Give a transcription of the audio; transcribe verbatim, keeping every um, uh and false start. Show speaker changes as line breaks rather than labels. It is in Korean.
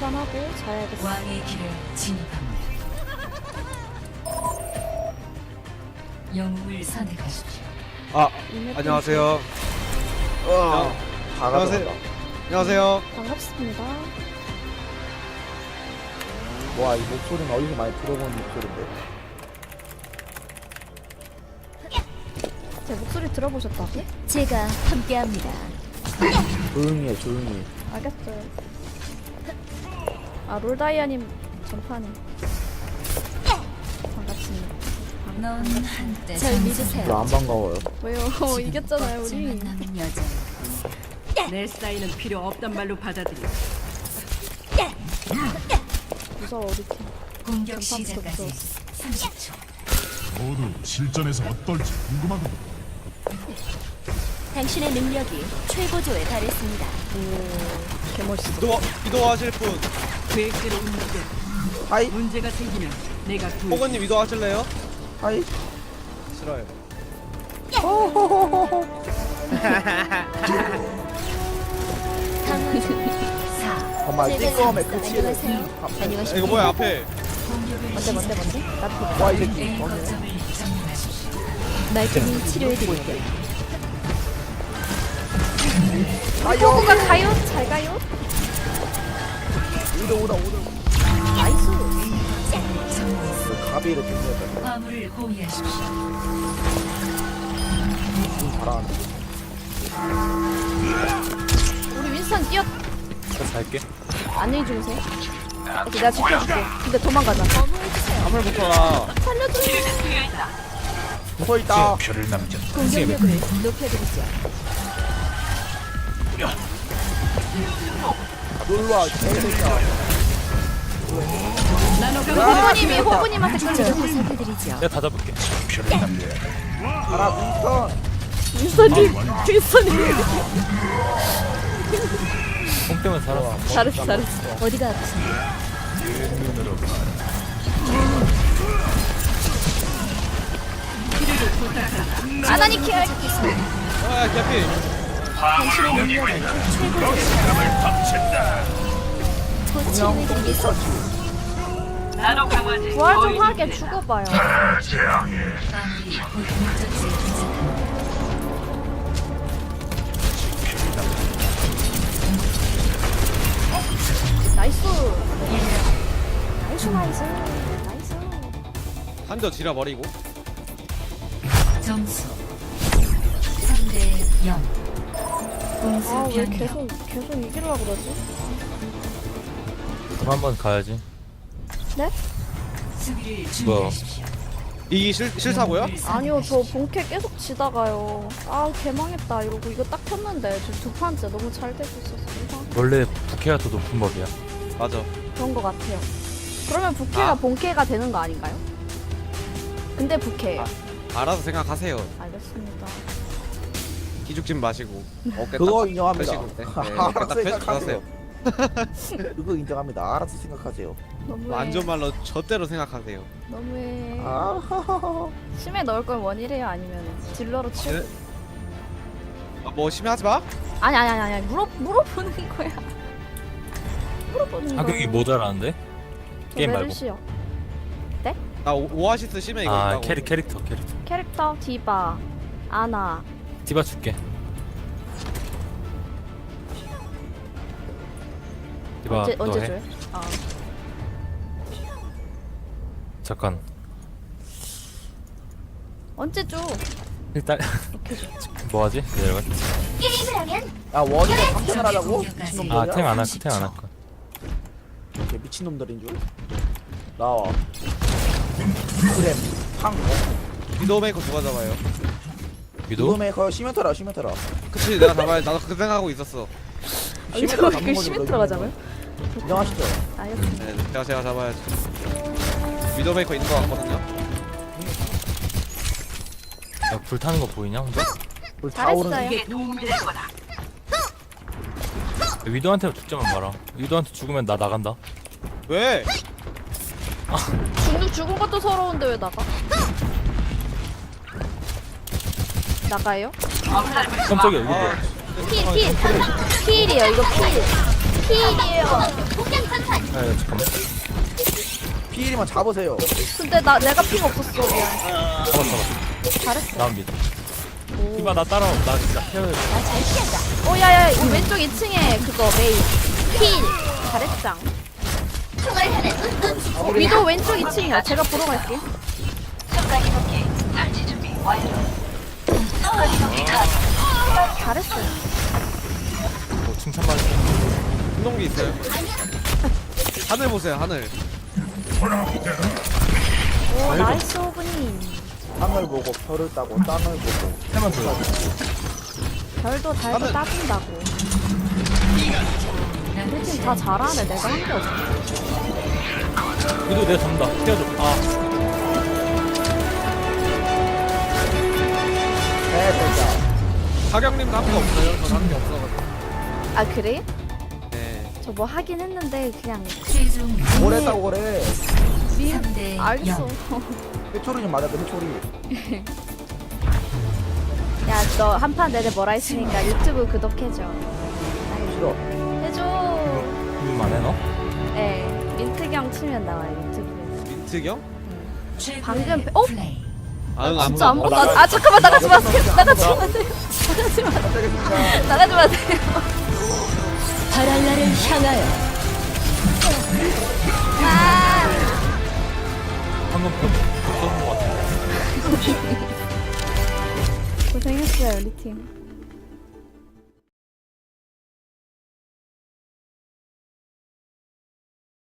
계산하고 자야겠어.
왕의 길을 진입합니다. 영웅을 선택하십시오.
아,
이메일
안녕하세요.
어, 다
안녕하세요.
가져간다.
안녕하세요.
반갑습니다.
와, 이 목소리는 어디서 많이 들어본 목소리인데.
제 목소리 들어보셨다고?
제가 함께합니다.
조용히 해, 조용히.
알겠어요. 아, 롤다이아님 전판에 반갑습니다.
넌 한때 절 믿으세요.
저 안 반가워요.
왜요? 이겼잖아요, 우리.
남은 여자.
내 사인은 필요 없단 말로 받아들여.
무서워, 우리 팀.
공격
전판
시작까지
없어.
삼십 초.
모두 실전에서 어떨지 궁금하군.
당신의 능력이 최고조에 달했습니다.
오, 개멋있어.
이도 이도하실 분,
계획대로 움직여.
하이,
문제가 생기면 내가 구해.
호건님 이도하실래요?
하이.
싫어요.
사.
정말 띠꺼움의 끝이에요.
안녕하세요.
이거 뭐야 앞에?
뭔데, 뭔데, 뭔데? 나도
와, 이 새끼.
A
어,
거점을 점령하십시오. 말끔히 치료해드릴게요.
호구가 가요? 잘 가요?
오다, 오다, 오다.
나이스.
그 가비를 뜯는다.
화물을 호위하십시오.
좀 잘하는데.
우리 윈스턴 뛰어.
저 살게.
안녕히 주무세요. 오케이, 내가 지켜줄게. 근데 도망가자.
화물 붙어라.
살려줘.
붙어있다.
표를 남겨.
공격력을 높여드리죠.
놀러와, 개새끼야.
호구님이 호구님한테
제가
끌려.
보살펴드리죠.
내가 다 잡을게. 표를 남겨.
가라, 윈스턴.
윈스턴님, 윈스턴님.
공 때문에 살았어.
잘했어, 잘했어.
어디가 아프신가요?
눈으로
아나니 케어.
아, 개피.
당신의 능력을 최고조에 곧 치료해드리겠습니다.
부활 좀 하게 죽어봐요.
마무리 곧 목적지에 도착합니다.
나이스. 나이스, 나이스. 나이스.
한대 지라 버리고.
점수 삼 대 영. 공수
아, 왜
변경.
계속, 계속 이기려고 그러지?
그럼 한번 가야지.
네?
수비를
뭐야?
준비하십시오.
이기 실 실사고요?
아니요, 저 본캐 계속 지다가요. 아, 개망했다. 이러고 이거 딱 켰는데 지금 두 판째 너무 잘 되고 있어서 이상
원래 부캐가 더 높은 법이야.
맞아.
그런 거 같아요. 그러면 부캐가
아.
본캐가 되는 거 아닌가요? 근데 부캐예요.
알아서 생각하세요.
알겠습니다.
기죽진 마시고. 어깨
그거
딱
인정합니다.
펴시고. 네, 네,
알아서
어깨 딱 펴시고
생각하세요.
가세요.
그거 인정합니다. 알아서 생각하세요.
너무해.
완전 말로 저대로 생각하세요.
너무해.
아,
심해 넣을 걸 원이래요? 아니면 딜러로 치우?
네? 아, 뭐 심해하지 마.
아니 아니 아니 아니 물어 물어보는 거야. 물어보는 거야.
하격이 모자라는데?
저
게임 말고.
메르시요.
나 오, 오아시스 심해 이거
아
있다고.
캐릭 캐릭터 캐릭터.
캐릭터 디바, 아나.
디바 줄게. 디바
언제
너
언제
해.
줘요? 아
잠깐.
언제 줘?
일단
오케이 줘.
뭐하지? 내려가.
야, 원이가 삼천을 하자고? 미친놈들이야?
아 탱 안 할 거 탱 안 할 거.
이렇게 미친놈들인 줄? 나와. 그래, 팡.
위도메이커 누가 잡아요?
위도?
이거메이커 시멘터라, 시멘터라.
그치 내가 잡아야 나도 그 생각하고 있었어.
시멘터라
그
잡는 거지,
심해
너
들어가자고요?
인정하시죠?
알겠습니다.
네, 제가 제가 잡아야지. 위도메이커 있는 거 같거든요.
야, 불 타는 거 보이냐 혼자?
불 타오르는
잘했어요.
이게 도움이 될 거다.
위도한테 죽자만 봐라. 위도한테 죽으면 나 나간다.
왜?
죽는 죽은 것도 서러운데 왜 나가? 나가요?
깜짝이야 이거 뭐야?
아,
필 필. 필이에요 이거 필. 피일이에요.
야, 야, 잠깐만.
피일이만 잡으세요.
근데 나 내가 피가 없었어. 미안.
잡았어, 잡았어.
잘했어.
나 믿어. 이봐, 나 따라와. 나 진짜 헤어져.
오 야야 이 왼쪽 이 층에 그거 메이 필 잘했짱. 어, 위도 왼쪽 이 층이야. 제가 보러 갈게. 잘했어요.
뭐, 칭찬받을
운동기 있어요? 하늘 보세요 하늘.
오 나이스 오브님.
땅을 보고 별을 따고 땅을 보고.
해만 줘요.
별도 달도
하늘.
따준다고. 우리 팀 다 잘하네. 내가 한 게 없어.
위도 내가 잡는다. 헤어져. 아,
네, 됐다.
사경님도 한 거 없어요? 전 한 게 없어가지고.
아 그래?
네.
저 뭐 하긴 했는데 그냥
최종
뭘 했다고 그래.
미
삼 대
알겠어.
영.
회초리 좀 맞아, 회초리.
야 너 한 판 내내 뭐라 했으니까 유튜브 구독해줘.
싫어.
해줘.
이거 안 해, 너?
네 민트경 치면 나와요 유튜브에.
민트경?
최고의
방금 배- 어?
플레이.
아, 응,
진짜 안
아무도
보고 아 잠깐만 나가지 마세요. 나가지 마세요. 나가지 마세요.
깜짝이야.
나가지 마세요.
바랄라를 향하여
아
방금 그, 그 쏘는 거 같아.
고생했어요 우리 팀.